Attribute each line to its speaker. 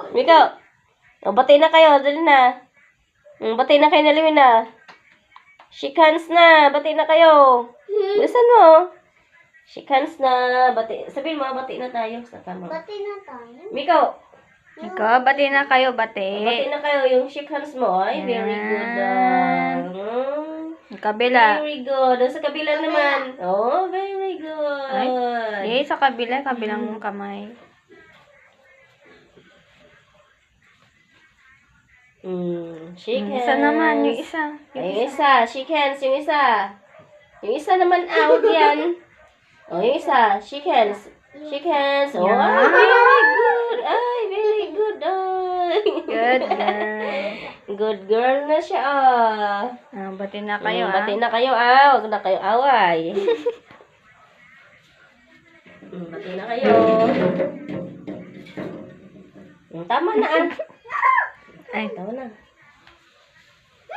Speaker 1: Ikaw. O, bati na kayo. Dali na. Bati na kayo na Liwin na. Shake hands na. Bati na kayo. Bilisan mo. Shake hands na. Bati. Sabihin mo, bati na tayo. Sa tama.
Speaker 2: Bati na tayo.
Speaker 1: Ikaw.
Speaker 3: Ikaw, bati na kayo, bati.
Speaker 1: Bati na kayo. Yung shake hands mo. Ay, very good.
Speaker 3: Kabila.
Speaker 1: Very good. Sa kabila naman. Oh, very good.
Speaker 3: Eh, sa kabila, kabilang kamay.
Speaker 1: Shake hands.
Speaker 3: Isa naman, yung isa.
Speaker 1: Yung isa. Shake hands. Yung isa. Yung isa naman out yan. Oh, yung isa. Shake hands. Shake hands. Oh,
Speaker 3: Yeah.
Speaker 1: very good. Ay, very good. Ay.
Speaker 3: Good girl.
Speaker 1: Good girl na siya.
Speaker 3: Bati na kayo,
Speaker 1: Bati na kayo. Huwag na kayo away. Bati na kayo. Tama na